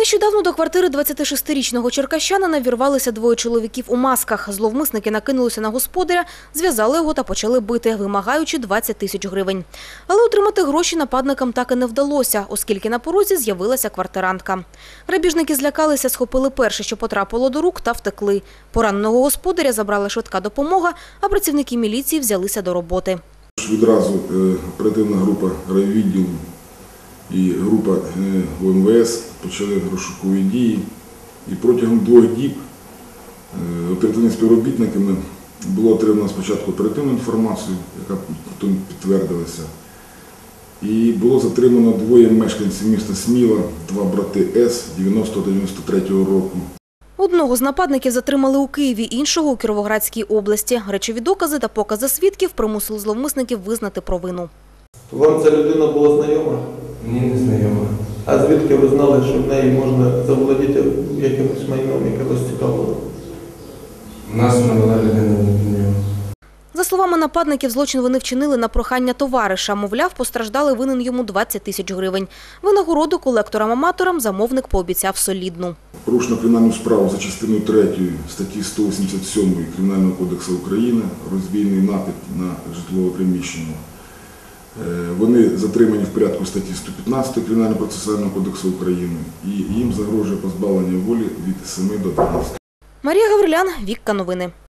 Нещодавно до квартири 26-річного черкащанина вірвалися двоє чоловіків у масках. Зловмисники накинулися на господаря, зв'язали його та почали бити, вимагаючи 20 тисяч гривень. Але отримати гроші нападникам так і не вдалося, оскільки на порозі з'явилася квартирантка. Грабіжники злякалися, схопили перше, що потрапило до рук, та втекли. Пораненого господаря забрала швидка допомога, а працівники міліції взялися до роботи. Відразу оперативна група райвідділу і група УМВС почали розшукові дії. І протягом 2 діб оперативними співробітниками було отримано спочатку оперативну інформацію, яка потім підтвердилася. І було затримано 2 мешканців міста Сміла, 2 брати С 90-93 року. Одного з нападників затримали у Києві, іншого – у Кіровоградській області. Речові докази та покази свідків примусили зловмисників визнати провину. Вам ця людина була знайома? Ні, не знайома. А звідки ви знали, що в неї можна заволодіти якимось майном, яке вас цікавило? Нас навела людина незнайома. За словами нападників, злочин вони вчинили на прохання товариша. Мовляв, постраждалий винен йому 20 тисяч гривень. Винагороду колекторам-аматорам замовник пообіцяв солідну. Порушено кримінальну справу за частиною 3 статті 187 Кримінального кодексу України «Розбійний напад на житлове приміщення». Вони затримані в порядку статті 115 Кримінального процесуального кодексу України і їм загрожує позбавлення волі від 7 до 12. Марія Гаврилян, Вікка Новини.